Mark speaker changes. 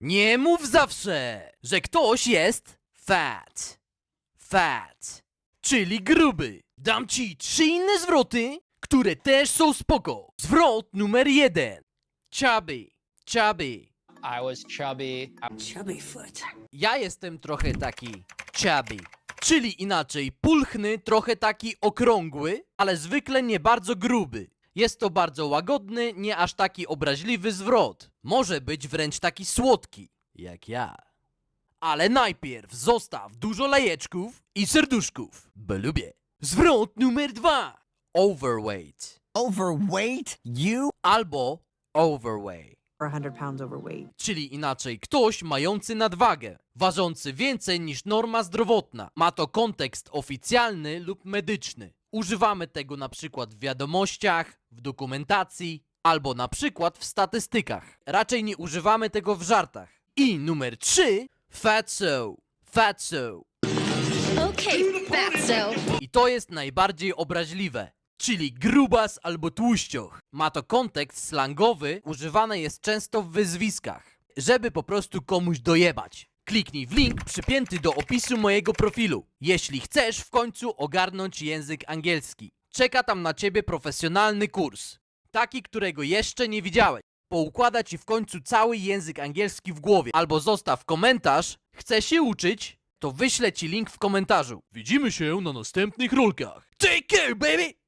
Speaker 1: Nie mów zawsze, że ktoś jest fat. Fat, czyli gruby. Dam ci 3 inne zwroty, które też są spoko. Zwrot numer 1. Chubby, chubby.
Speaker 2: I was chubby.
Speaker 3: Chubby foot.
Speaker 1: Ja jestem trochę taki chubby. Czyli inaczej, pulchny, trochę taki okrągły, ale zwykle nie bardzo gruby. Jest to bardzo łagodny, nie aż taki obraźliwy zwrot. Może być wręcz taki słodki, jak ja. Ale najpierw zostaw dużo lajeczków i serduszków, bo lubię. Zwrot numer 2. Overweight
Speaker 3: Overweight? You?
Speaker 1: albo overweight.
Speaker 4: or 100 pounds overweight.
Speaker 1: Czyli inaczej, ktoś mający nadwagę, ważący więcej niż norma zdrowotna. Ma to kontekst oficjalny lub medyczny. Używamy tego na przykład w wiadomościach, w dokumentacji, albo na przykład w statystykach. Raczej nie używamy tego w żartach. I numer 3, fatso. Fatso.
Speaker 5: Okay, fatso.
Speaker 1: I to jest najbardziej obraźliwe, czyli grubas albo tłuścioch. Ma to kontekst slangowy, używane jest często w wyzwiskach, żeby po prostu komuś dojebać. Kliknij w link przypięty do opisu mojego profilu, jeśli chcesz w końcu ogarnąć język angielski. Czeka tam na ciebie profesjonalny kurs, taki, którego jeszcze nie widziałeś. Poukłada ci w końcu cały język angielski w głowie. Albo zostaw komentarz, chcesz się uczyć, to wyślę ci link w komentarzu. Widzimy się na następnych rolkach. Take care, baby!